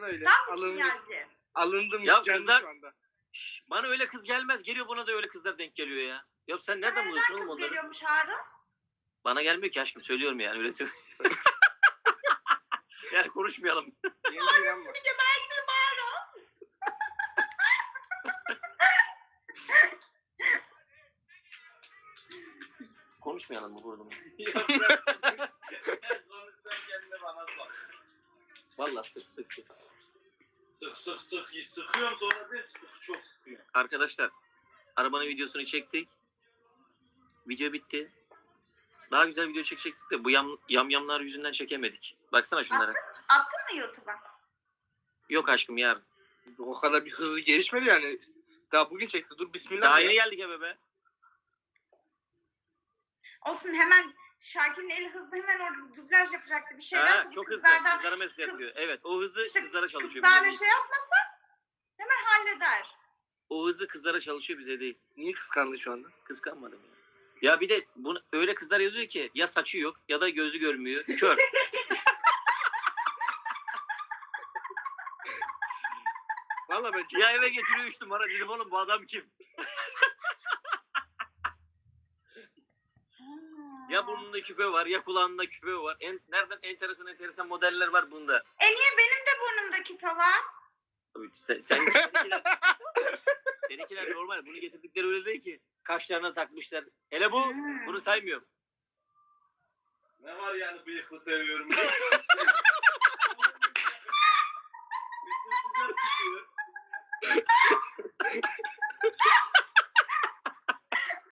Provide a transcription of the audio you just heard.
öyle. Tam bir sinyalci. Alındım Ya gücendim kızlar- şu anda. Şş, bana öyle kız gelmez. Geliyor buna da öyle kızlar denk geliyor ya. Ya sen nereden buluyorsun oğlum Kız onları? geliyormuş Harun. Bana gelmiyor ki aşkım, söylüyorum yani öylesi. Yani konuşmayalım. Yeni inanma. Seni gebertirim Harun. Konuşmayalım mı burada? Ya bırak. Sen konuşsan kendine bana bak. Vallahi sık. Sık. Sıkıyorum sonra bir sık. Çok sıkıyorum. Arkadaşlar, arabanın videosunu çektik. Video bitti. Daha güzel video çekecektik de bu yamyamlar yüzünden çekemedik. Baksana şunlara. Attın mı YouTube'a? Yok aşkım, yarın. O kadar bir hızlı gelişmedi yani. Daha bugün çekti. Dur bismillah. Daha ya. yeni geldik eve be. Olsun, hemen Şakir'in eli hızlı, hemen orada dublaj yapacaktı bir şeyler. Ha, Tabii çok hızlı. kızlardan- Kızlara mesaj atıyor. Evet, o hızlı İşte kızlara çalışıyor. Kızlarla Bize şey değil. yapmasa hemen halleder. O hızlı kızlara çalışıyor, bize değil. Niye kıskandın şu anda? Kıskanmadım ya. Ya bir de bunu öyle kızlar yazıyor ki ya saçı yok ya da gözü görmüyor. Kör. Valla ben Ya eve getiriyor 3 numara, dedim oğlum bu adam kim? Ya burnunda küpe var ya kulağında küpe var. Nereden enteresan modeller var bunda. Niye benim de burnumda küpe var? Tabii seninkiler normal. Bunu getirdikleri öyle değil ki. Kaşlarına takmışlar. Hele bu, bunu saymıyorum. Ne var yani bıyıklı seviyorum. Bir sıcak tutuyor.